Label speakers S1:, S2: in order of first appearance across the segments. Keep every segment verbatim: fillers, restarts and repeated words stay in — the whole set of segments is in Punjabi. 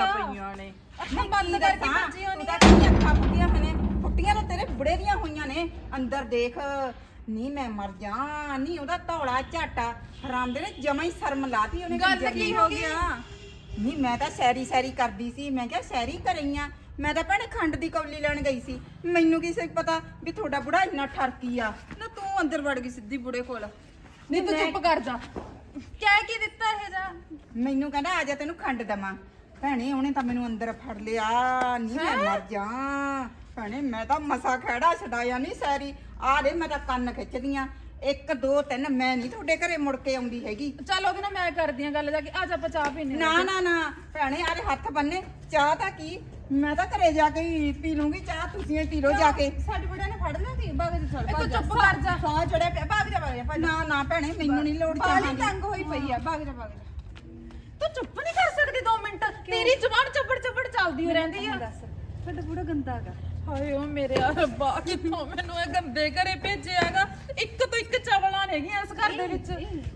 S1: ਫੁੱਟੀਆਂ ਪਈਆਂ ਨੇ
S2: ਅੱਖਾਂ ਬੰਦ ਕਰਕੇ ਭੱਜੀ ਹੋਣੀ ਆ ਅੱਖਾਂ ਫੁੱਟੀਆਂ ਹੋਈਆਂ ਨੇ ਫੁੱਟੀਆਂ ਤਾਂ ਤੇਰੇ ਬੁੜੇ ਦੀਆਂ ਹੋਈਆਂ ਨੇ ਅੰਦਰ ਦੇਖ ਨੀ ਮੈਂ ਮਰ ਜਾ ਨੀ ਉਹਦਾ ਧੌਲਾ ਝਾਟਾ ਹਰਾਮ ਦੇ ਨੇ ਜਮਾ ਹੀ ਸ਼ਰਮ ਲਾਤੀ ਉਹਨੇ
S1: ਗੱਲ ਕੀ ਹੋ ਗਿਆ
S2: ਨੀ ਮੈਂ ਤਾਂ ਸੈਰੀ ਸੈਰੀ ਕਰਦੀ ਸੀ ਮੈਂ ਕਿਹਾ ਸੈਰੀ ਕਰਈਆਂ ਮੈਂ ਤਾਂ ਭੈਣੇ ਖੰਡ ਦੀ ਕੌਲੀ ਲੈਣ ਗਈ ਸੀ ਮੈਨੂੰ ਕੀ ਸੀ ਪਤਾ ਵੀ ਤੁਹਾਡਾ ਬੁੜਾ ਇੰਨਾ ਠਰਕੀ ਆ
S1: ਨਾ ਤੂੰ ਅੰਦਰ ਵੜ ਗਈ ਸਿੱਧੀ ਬੁੜੇ ਕੋਲ ਨਹੀਂ ਤੂੰ ਚੁੱਪ ਕਰ ਜਾ ਕਹਿ ਕੀ ਦਿੱਤਾ ਇਹ ਜਾ
S2: ਮੈਨੂੰ ਕਹਿੰਦਾ ਆ ਜਾ ਤੈਨੂੰ ਖੰਡ ਦਵਾਂ ਭੈਣੇ ਉਹਨੇ ਤਾਂ ਮੈਨੂੰ ਅੰਦਰ ਫੜ ਲਿਆ ਨੀ ਮੈਂ ਮਰ ਜਾ ਭੈਣੇ ਮੈਂ ਤਾਂ ਮਸਾ ਖੜਾ ਛਡਾਇਆ ਨਹੀਂ ਸੈਰੀ ਆ ਦੇ ਮੈਂ ਤਾਂ ਕੰਨ ਖਿੱਚਦੀਆਂ ਇੱਕ ਦੋ ਤਿੰਨ ਮੈਂ ਨਹੀਂ ਤੁਹਾਡੇ ਘਰੇ ਮੁੜ ਕੇ ਆਉਂਦੀ ਹੈਗੀ
S1: ਚੱਲ ਉਹਦੇ ਨਾਲ ਮੈਂ ਕਰਦੀ ਆ ਗੱਲ ਜਾ ਕੇ ਆ ਜਾ ਆਪਾਂ ਚਾਹ ਪੀਨੇ
S2: ਨਾ ਨਾ ਨਾ ਭੈਣੇ ਆਰੇ ਹੱਥ ਬੰਨੇ ਚਾਹ ਤਾਂ ਕੀ ਮੈਂ ਤਾਂ ਘਰੇ ਜਾ ਕੇ ਹੀ ਪੀ ਲੂੰਗੀ ਚਾਹ ਤੁਸੀਂ ਪੀ ਲਓ ਜਾ ਕੇ
S1: ਸਾਡੇ ਬੁੜਿਆਂ ਨੇ ਫੜ ਲਿਆ ਸੀ ਬਾਗ ਦੇ ਚੱਲ ਤੂੰ ਚੁੱਪ ਕਰ ਜਾ
S2: ਸਾਹ ਚੜਿਆ ਪਿਆ ਭਾਗ ਜਾ ਭਾਗ ਜਾ ਨਾ ਨਾ ਭੈਣੇ ਮੈਨੂੰ ਨਹੀਂ ਲੋੜ ਚਾਹ ਦੀ
S1: ਤੰਗ ਹੋਈ ਪਈ ਆ ਬਾਗ ਜਾ ਬਾਗ ਜਾ ਤੂੰ ਚੁੱਪ ਨਹੀਂ ਕਰ ਸਕਦੀ ਦੋ ਮਿੰਟ ਤੇਰੀ ਜ਼ੁਬਾਨ ਚੱਪੜ ਚੱਪੜ ਚੱਲਦੀ ਹੋ ਰਹਿੰਦੀ ਆ
S2: ਸਾਡਾ ਬੁੜਾ ਗੰਦਾ ਹੈਗਾ
S1: ਹਾਏ ਓ ਮੇਰੇ ਰੱਬਾ ਕਿੱਥੋਂ ਮੈਨੂੰ ਇਹ ਗੰਦੇ ਘਰੇ ਭੇਜਿਆਗਾ ਇੱਕ ਤੋਂ ਇੱਕ ਚਵਲਾਂ ਨੇਗੀਆਂ ਇਸ ਘਰ ਦੇ ਵਿੱਚ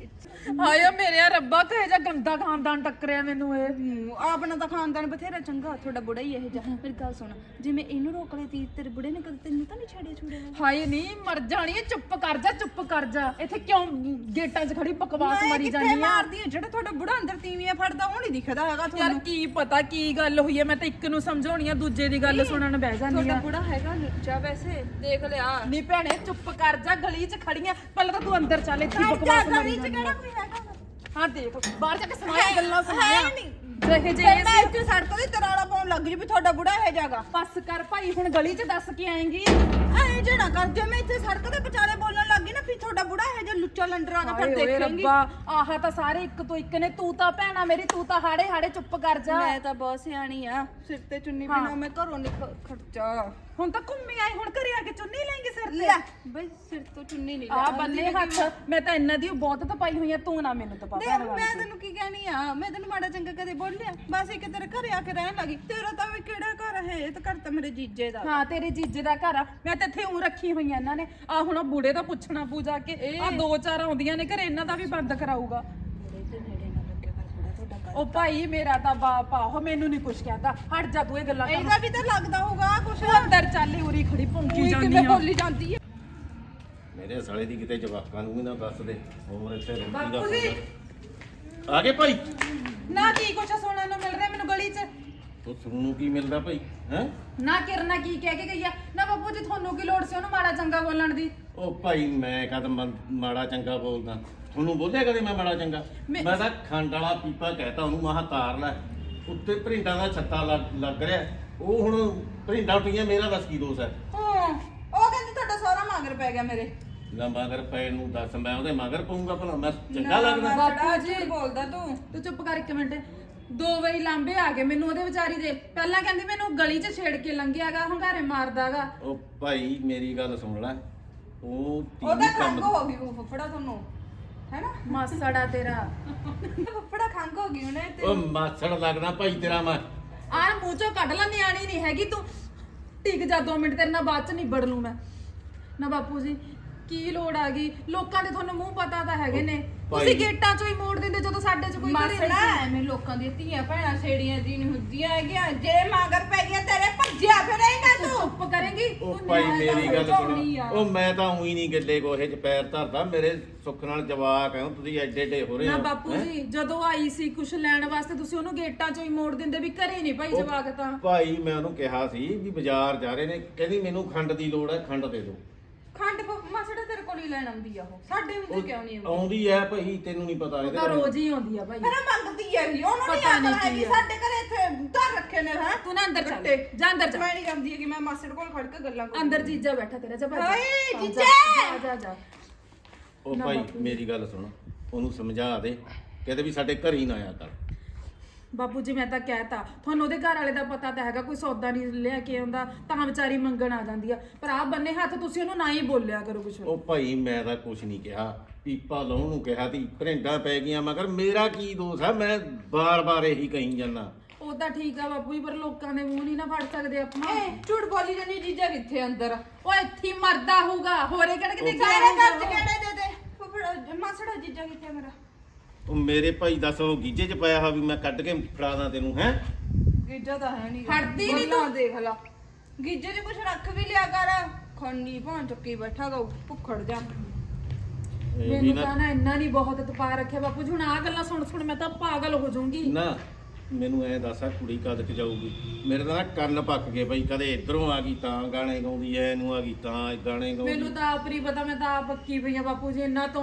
S1: ਹਾਏ ਓ ਮੇਰੇ ਰੱਬਾ ਕਹੇ ਜਾ ਗੰਦਾ ਖਾਨਦਾਨ ਟੱਕਰਿਆ ਮੈਨੂੰ ਇਹ
S2: ਆਪਣਾ ਤਾਂ ਖਾਨਦਾਨ ਬਥੇਰਾ ਚੰਗਾ ਤੁਹਾਡਾ ਬੁੜਾ ਹੀ ਇਹ ਜਾ ਮੇਰੀ ਗੱਲ ਸੁਣ ਜਿਵੇਂ ਇਹਨੂੰ ਰੋਕ ਲਈ ਤੀ ਤੇਰੇ ਬੁੜੇ ਨੇ ਕਦੇ ਤੈਨੂੰ ਤਾਂ ਨਹੀਂ ਛੱਡਿਆ ਛੁੜਿਆ
S1: ਹਾਏ ਨਹੀਂ ਮਰ ਜਾਣੀ ਹੈ ਚੁੱਪ ਕਰ ਜਾ ਚੁੱਪ ਕਰ ਜਾ ਇੱਥੇ ਕਿਉਂ ਗੇਟਾਂ 'ਚ ਖੜੀ ਬਕਵਾਸ ਮਾਰੀ ਜਾਂਦੀ ਆ
S2: ਮਾਰਦੀ ਹੈ ਜਿਹੜਾ ਤੁਹਾਡਾ ਬੁੜਾ ਅੰਦਰ ਤੀਵੀਆਂ ਫੜਦਾ ਉਹ ਨਹੀਂ ਦਿਖਦਾ ਹੈਗਾ
S1: ਯਾਰ
S2: ਤੁਹਾਨੂੰ
S1: ਕੀ ਪਤਾ ਕੀ ਗੱਲ ਹੋਈ ਹੈ ਮੈਂ ਤਾਂ ਇੱਕ ਨੂੰ ਸਮਝਾਉਣੀ ਆ ਦੂਜੇ ਦੀ ਗੱਲ ਸੁਣਨ ਬਹਿ ਜਾਂਦੀ
S2: ਤੁਹਾਡਾ
S1: ਆ
S2: ਬੁੜਾ ਹੈਗਾ ਲੁੱਚਾ ਵੈਸੇ ਦੇਖ ਲਿਆ
S1: ਨੀ ਭੈਣੇ ਚੁੱਪ ਕਰ ਜਾ ਗਲੀ 'ਚ ਖੜੀਆਂ ਪਹਿਲਾਂ ਤਾਂ ਤੂੰ ਅੰਦਰ ਚੱਲ ਇੱਥੇ ਬਕਵਾਸ ਮਾਰੀ ਜਾਂਦੀ ਆ
S2: ਕੋਈ ਹੈਗਾ
S1: ਹਾਂ ਦੇਖ ਬਾਹਰ ਜਾ ਕੇ ਸੁਣਾਇਆ ਗੱਲਾਂ ਸੁਣਾਇਆ
S2: ਨਹੀਂ
S1: ਜਿਹੇ ਜੇ
S2: ਮੈਂ ਇੱਥੇ ਸੜਕ ਤੇ ਤਰਾਲਾ ਪਾਉਣ ਲੱਗ ਜੀ ਵੀ ਤੁਹਾਡਾ ਬੁੜਾ ਇਹ ਜਾਗਾ
S1: ਬਸ ਕਰ ਭਾਈ ਹੁਣ ਗਲੀ 'ਚ ਦੱਸ ਕੇ ਆਏਂਗੀ
S2: ਐ ਜਿਹੜਾ ਕਰ ਜੇ ਮੈਂ ਇੱਥੇ ਸੜਕ ਤੇ ਵਿਚਾਲੇ ਬੋਲਣ ਲੱਗੀ ਨਾ ਫਿਰ ਤੁਹਾਡਾ ਬੁੜਾ ਇਹ ਜੇ ਲੁੱਚਾ ਲੰਡਰਾ ਦਾ ਫਿਰ
S1: ਓਏ
S2: ਦੇਖਾਂਗੀ
S1: ਰੱਬਾ ਆਹ ਤਾਂ ਸਾਰੇ ਇੱਕ ਤੋਂ ਇੱਕ ਨੇ ਤੂੰ ਤਾਂ ਭੈਣਾ ਮੇਰੀ ਤੂੰ ਤਾਂ ਹਾੜੇ ਹਾੜੇ ਚੁੱਪ ਕਰ ਜਾ
S2: ਮੈਂ ਤਾਂ ਬਹੁਤ ਸਿਆਣੀ ਆ ਸਿਰ ਤੇ ਚੁੰਨੀ ਬਿਨਾ ਮੈਂ ਘਰੋਂ ਨਿਕਲ ਖਰਚਾ
S1: ਹੁਣ ਤਾਂ ਘੁੰਮੀ ਆਈ ਹੁਣ ਘਰੇ ਆ ਕੇ ਚੁੰਨੀ ਲੈਂਗੇ ਸਿਰ ਤੇ
S2: ਲੈ ਬਈ ਸਿਰ ਤੋਂ ਚੁੰਨੀ ਨਹੀਂ
S1: ਆ ਬੰਨੇ ਹੱਥ ਮੈਂ ਤਾਂ ਇਹਨਾਂ ਦੀ ਬਹੁਤ ਤਪਾਈ ਹੋਈ ਆ ਤੂੰ ਨਾ ਮੈਨੂੰ ਤਪਾ
S2: ਦੇਖ ਮੈਂ ਤੈਨੂੰ ਕੀ ਕਹਿਣੀ ਆ ਮੈਂ ਤੈਨੂੰ ਮਾੜਾ ਚੰਗਾ ਕਦੇ ਬੋਲਿਆ ਬਸ ਇੱਕ ਤੇਰੇ ਘਰੇ ਆ ਕੇ ਰਹਿਣ ਲੱਗੀ ਤੇਰਾ ਤਾਂ ਵੀ ਕਿਹੜਾ ਘਰ ਹੈ ਇਹ ਤਾਂ ਘਰ ਤਾਂ ਮੇਰੇ ਜੀਜੇ ਦਾ
S1: ਹਾਂ ਤੇਰੇ ਜੀਜੇ ਦਾ ਘਰ ਆ ਮੈਂ ਤਾਂ ਇੱਥੇ ਉਂ ਰੱਖੀ ਹੋਈ ਆ ਇਹਨਾਂ ਨੇ ਆ ਹੁਣ ਬੂੜੇ ਦਾ ਪੁੱਛਣਾ ਪੂਜਾ ਕੇ ਆ ਦੋ ਚਾਰ ਆਉਂਦੀਆਂ ਨੇ ਘਰੇ ਇਹਨਾਂ ਦਾ ਵੀ ਬੰਦ ਕਰਾਊਗਾ ਉਹ ਭਾਈ ਮੇਰਾ ਤਾਂ ਬਾਪ ਆ ਉਹ ਮੈਨੂੰ ਨਹੀਂ ਕੁਛ ਕਹਿੰਦਾ ਹਟ ਜਾ ਤੂੰ ਇਹ ਗੱਲਾਂ ਕਰ
S2: ਇਹਦਾ ਵੀ ਤਾਂ ਲੱਗਦਾ ਹੋਊਗਾ ਕੁਛ
S1: ਅੰਦਰ ਚੱਲ ਉਰੀ ਖੜੀ ਭੌਂਕੀ ਜਾਂਦੀ
S2: ਕਿਵੇਂ
S1: ਆ
S2: ਬੋਲੀ ਜਾਂਦੀ ਹੈ
S3: ਮੇਰੇ ਸਾਲੇ ਦੀ ਕਿਤੇ ਜਵਾਕਾਂ ਨੂੰ ਵੀ ਨਾ ਦੱਸ ਦੇ ਹੋਰ ਇੱਥੇ ਰੋਟੀ ਦਾ ਫੋਨ ਆ ਗਏ ਭਾਈ
S1: ਨਾ ਕੀ ਕੁਛ ਸੁਣਨ ਨੂੰ ਮਿਲ ਰਿਹਾ ਮੈਨੂੰ ਗਲੀ 'ਚ
S3: ਤੂੰ ਸੁਣਨ ਨੂੰ ਕੀ ਮਿਲਦਾ ਭਾਈ ਹੈ
S1: ਨਾ ਕਿਰਨਾ ਕੀ ਕਹਿ ਕੇ ਗਈ ਆ ਨਾ ਬਾਪੂ ਜੀ ਤੁਹਾਨੂੰ ਕੀ ਲੋੜ ਸੀ ਉਹਨੂੰ ਮਾੜਾ ਚੰਗਾ ਬੋਲਣ ਦੀ
S3: ਉਹ ਭਾਈ ਮੈਂ ਕਦ ਮਾੜਾ ਚੰਗਾ ਬੋਲਦਾ ਤੁਹਾਨੂੰ ਬੋਲਿਆ ਕਦੇ ਮੈਂ ਮਾੜਾ ਚੰਗਾ
S1: ਮੈਂ-
S3: ਮੈਂ ਤਾਂ ਖੰਡ ਵਾਲਾ ਪੀਪਾ ਕਹਿਤਾ ਉਹਨੂੰ ਮਹਾ ਤਾਰ ਲੈ ਉੱਤੇ ਭਰਿੰਡਾਂ ਦਾ ਛੱਤਾ ਲੱਗ ਲੱਗ ਰਿਹਾ ਉਹ ਹੁਣ ਭਰਿੰਡਾਂ ਉੱਠੀਆਂ ਮੇਰਾ ਦੱਸ ਕੀ ਦੋਸ਼ ਹੈ
S2: ਹਾਂ ਉਹ ਕਹਿੰਦੀ ਤੁਹਾਡਾ ਸਾਰਾ ਮਗਰ ਪੈ ਗਿਆ ਮੇਰੇ
S3: ਨਾ ਮਗਰ ਪੈਣ ਨੂੰ ਦੱਸ ਮੈਂ ਉਹਦੇ ਮਗਰ ਪਊਂਗਾ ਭਲਾ ਮੈਂ ਚੰਗਾ ਲੱਗਦਾ
S2: ਬਾਪੂ ਜੀ ਬੋਲਦਾ ਤੂੰ
S1: ਤੂੰ ਚੁੱਪ ਕਰ ਇੱਕ ਮਿੰਟ ਦੋ ਵਾਰੀ ਲਾਂਬੇ ਆ ਗਏ ਮੈਨੂੰ ਉਹਦੇ ਵਿਚਾਰੀ ਦੇ ਪਹਿਲਾਂ ਕਹਿੰਦੀ ਮੈਨੂੰ ਗਲੀ 'ਚ ਛੇੜ ਕੇ ਲੰਘਿਆਗਾ ਹੰਗਾਰੇ ਮਾਰਦਾਗਾ
S3: ਉਹ ਭਾਈ ਮੇਰੀ ਗੱਲ ਸੁਣ ਲੈ ਉਹ
S2: ਉਹਦਾ
S3: ਤੀਵੀਂ
S2: ਖੰਗ
S3: ਕੰਮ
S2: ਹੋ ਗਈ ਉਹ ਫੁੱਫੜਾ ਤੁਹਾਨੂੰ ਹੈਨਾ
S1: ਮਾਸੜਾ ਤੇਰਾ
S2: ਫੁੱਫੜਾ ਖੰਗ ਹੋ ਗਈ ਉਹਨੇ ਤੇ
S3: ਉਹ ਮਾਛੜ ਲੱਗਦਾ ਭਾਈ ਤੇਰਾ ਮੈਂ
S1: ਆਹ ਮੂੰਹ ਚੋਂ ਕੱਢ ਲੈ ਨਿਆਣੀ ਨਹੀਂ ਹੈਗੀ ਤੂੰ ਟਿਕ ਜਾ ਦੋ ਮਿੰਟ ਤੇਰੇ ਨਾਲ ਬਾਅਦ 'ਚ ਨਿਬੜ ਲੂੰ ਮੈਂ ਨਾ ਬਾਪੂ ਜੀ ਕੀ ਲੋੜ ਆ ਗਈ ਲੋਕਾਂ ਦੇ ਤੁਹਾਨੂੰ ਮੂੰਹ ਪਤਾ ਤਾਂ ਹੈਗੇ ਨੇ ਤੁਸੀਂ ਗੇਟਾਂ 'ਚੋਂ ਹੀ ਮੋੜ ਦਿੰਦੇ ਜਦੋਂ ਸਾਡੇ 'ਚ ਕੋਈ ਘਰੇ
S2: ਮਾਸੜਾ
S1: ਨਹੀਂ
S2: ਐਵੇਂ ਲੋਕਾਂ ਦੀਆਂ ਧੀਆਂ ਭੈਣਾਂ ਛੇੜੀਆਂ ਦੀ ਨਹੀਂ ਹੁੰਦੀਆਂ ਹੈਗੀਆਂ ਜੇ ਮਗਰ ਪੈ ਗਿਆ ਤੇਰੇ ਭੱਜਿਆ ਫਿਰੇਗਾ
S1: ਤੂੰ
S2: ਤੂੰ
S1: ਚੁੱਪ ਕਰੇਂਗੀ
S3: ਉਹ
S1: ਤੂੰ
S3: ਭਾਈ
S1: ਨਿਆਣੇ ਦਾ
S3: ਮੇਰੀ ਗੱਲ
S1: ਸਮਝਾਉਣੀ
S3: ਸੁਣ
S1: ਆ।
S3: ਉਹ ਮੈਂ ਤਾਂ ਉਹੀ ਨਹੀਂ ਗੱਲੇ ਕੋਹੇ ਚ ਪੈਰ ਧਰਦਾ ਮੇਰੇ ਸੁੱਖ ਨਾਲ ਜਵਾਕ ਹੈ ਤੁਸੀਂ ਐਡੇ ਏਡੇ ਹੋ ਰਹੇ
S1: ਨਾ
S3: ਹੋ
S1: ਬਾਪੂ
S3: ਹੈਂ?
S1: ਜੀ ਜਦੋਂ ਆਈ ਸੀ ਕੁਛ ਲੈਣ ਵਾਸਤੇ ਤੁਸੀਂ ਉਹਨੂੰ ਗੇਟਾਂ 'ਚੋਂ ਹੀ ਮੋੜ ਦਿੰਦੇ ਵੀ ਘਰੇ ਨਹੀਂ ਭਾਈ
S3: ਉਹ
S1: ਜਵਾਕ ਤਾਂ
S3: ਭਾਈ ਮੈਂ ਉਹਨੂੰ ਕਿਹਾ ਸੀ ਵੀ ਬਾਜ਼ਾਰ ਜਾ ਰਹੇ ਨੇ ਕਹਿੰਦੀ ਮੈਨੂੰ ਖੰਡ ਦੀ ਲੋੜ ਹੈ ਖੰਡ ਦੇ ਦਿਓ
S2: ਖੰਡ ਮਾਸੜਾ ਤੇਰੇ ਕੋਲ ਹੀ ਲੈਣ ਆਉਂਦੀ ਆ ਉਹ ਸਾਡੇ ਹੁੰਦੇ ਕਿਉਂ ਨਹੀਂ ਆਉਂਦੀ
S3: ਆਉਂਦੀ ਹੈ ਭਾਈ ਤੈਨੂੰ ਨਹੀਂ ਪਤਾ
S1: ਉਹ
S3: ਇਹਦੇ
S1: ਤਾਂ
S3: ਬਾਰੇ।
S1: ਰੋਜ਼ ਹੀ ਆਉਂਦੀ ਆ ਭਾਈ
S2: ਫਿਰ ਮੰਗਦੀ ਹੈ ਵੀ ਉਹਨੂੰ ਨਹੀਂ
S1: ਪਤਾ ਨੀ
S2: ਆਖਣਾ
S1: ਕੀ
S2: ਕਿ
S1: ਆ।
S2: ਸਾਡੇ ਘਰੇ ਇੱਥੇ ਧਰ ਰੱਖੇ ਨੇ ਹੈ
S1: ਤੂੰ ਨਾ ਅੰਦਰ ਚੱਲ
S2: ਗੱਟੇ।
S1: ਜਾ ਅੰਦਰ ਚੱਲ
S2: ਮੈਂ ਨਹੀਂ ਜਾਂਦੀ ਹੈ ਕਿ ਮੈਂ ਮਾਸੜ ਕੋਲ ਖੜ ਕੇ ਗੱਲਾਂ ਕਰਾਂ
S1: ਅੰਦਰ ਜੀਜਾ ਬੈਠਾ ਤੇਰਾ ਜਾ ਭੱਜ ਜਾ।
S2: ਹਾਏ,
S1: ਹਾਂ, ਜਾ,
S2: ਜੀਜਾ!
S1: ਜਾ ਜਾ
S3: ਉਹ
S1: ਨਾ
S3: ਭਾਈ
S1: ਬਾਪੂ।
S3: ਮੇਰੀ ਗੱਲ ਸੁਣ ਉਹਨੂੰ ਸਮਝਾ ਦੇ ਕਹਿੰਦੇ ਵੀ ਸਾਡੇ ਘਰ ਹੀ ਨਾ ਆਇਆ ਕਰ
S1: ਬਾਪੂ ਜੀ ਮੈਂ ਤਾਂ ਕਹਿਤਾ ਤੁਹਾਨੂੰ ਉਹਦੇ ਘਰ ਵਾਲੇ ਦਾ ਪਤਾ ਤਾਂ ਹੈਗਾ ਕੋਈ ਸੌਦਾ ਨਹੀਂ ਲਿਆ ਕੇ ਆਉਂਦਾ ਤਾਂ ਵਿਚਾਰੀ ਮੰਗਣ ਆ ਜਾਂਦੀ ਆ ਪਰ ਆ ਬੰਨੇ ਹੱਥ ਤੁਸੀਂ ਉਹਨੂੰ ਨਾ ਹੀ ਬੋਲਿਆ ਕਰੋ ਕੁਛ
S3: ਉਹ ਭਾਈ ਮੈਂ ਤਾਂ ਕੁਝ ਨਹੀਂ ਕਿਹਾ ਪੀਪਾ ਲਾਉਣ ਨੂੰ ਕਿਹਾ ਤੀ ਭਰਿੰਡਾਂ ਪੈ ਗਈਆਂ ਮਗਰ ਮੇਰਾ ਕੀ ਦੋਸ਼ ਹੈ ਮੈਂ ਬਾਰ-ਬਾਰ ਇਹੀ ਕਹੀ ਜਾਂਦਾ
S1: ਉਹ ਤਾਂ ਠੀਕ ਆ ਬਾਪੂ ਜੀ ਪਰ ਲੋਕਾਂ ਦੇ ਮੂੰਹ ਨਹੀਂ ਨਾ ਫੜ ਸਕਦੇ ਆਪਾਂ
S2: ਏ ਝੂਠ ਬੋਲੀ ਜਾਨੀ ਜੀਜਾ ਕਿੱਥੇ ਅੰਦਰ
S1: ਉਹ ਇੱਥੇ ਹੀ ਮਰਦਾ ਹੋਊਗਾ ਹੋਰੇ ਕਿਹੜੇ ਕਿਤੇ ਗਿਆ
S2: ਸਾਰੇ ਘਰ ਚ
S1: ਹੋਊਗਾ।
S2: ਕਿਹੜੇ ਦੇ ਦੇ ਫੁੱਫੜਾ ਮਾਸੜਾ ਜੀਜਾ ਕਿੱਥੇ ਮੇਰਾ
S3: ਉਹ ਮੇਰੇ ਭਾਈ ਦੱਸ ਉਹ ਗੀਜੇ 'ਚ ਪਾਇਆ ਹਾ ਵੀ ਮੈਂ ਕੱਢ ਕੇ ਫੜਾ ਦਾਂ ਤੈਨੂੰ ਹੈ
S2: ਗੀਜਾ ਤਾਂ ਹੈ ਨਹੀਂ
S1: ਹਟਦੀ ਨੀ ਤੂੰ।
S2: ਦੇਖ ਲਾ ਗੀਜੇ 'ਚ ਕੁਛ ਰੱਖ ਵੀ ਲਿਆ ਕਰ ਖੰਡੀ ਭਾਂ ਚੱਕੀ ਬੈਠਾ ਗਾ ਭੁੱਖੜ ਜਾ
S3: ਇਹ ਵੀ
S1: ਮੈਨੂੰ
S3: ਨਾ
S1: ਤਾਂ ਨਾ ਇੰਨਾ ਨਹੀਂ ਬਹੁਤ ਤਪਾ ਰੱਖਿਆ ਬਾਪੂ ਜੀ ਹੁਣ ਆ ਗੱਲਾਂ ਸੁਣ ਸੁਣ ਮੈਂ ਤਾਂ ਪਾਗਲ ਹੋ ਜਾਊਂਗੀ।
S3: ਨਾ ਮੈਨੂੰ ਐ ਦੱਸ ਆ ਕੁੜੀ ਕਦ ਕ ਜਾਊਗੀ? ਮੇਰੇ ਤਾਂ ਨਾ ਕੰਨ ਪੱਕ ਗਏ ਬਈ, ਕਦੇ ਇਧਰੋਂ ਆ ਗਈ ਤਾਂ ਗਾਣੇ ਗਾਉਂਦੀ ਐ, ਇਹਨੂੰ ਆ ਗਈ ਤਾਂ ਗਾਣੇ ਗਾਉਂਦੀ।
S1: ਮੈਨੂੰ ਤਾਂ ਆਪ ਨਹੀਂ ਪਤਾ, ਮੈਂ ਤਾਂ ਆਪ ਪੱਕੀ ਪਈ ਆ ਬਾਪੂ ਜੀ, ਇੰਨਾ ਤੋਂ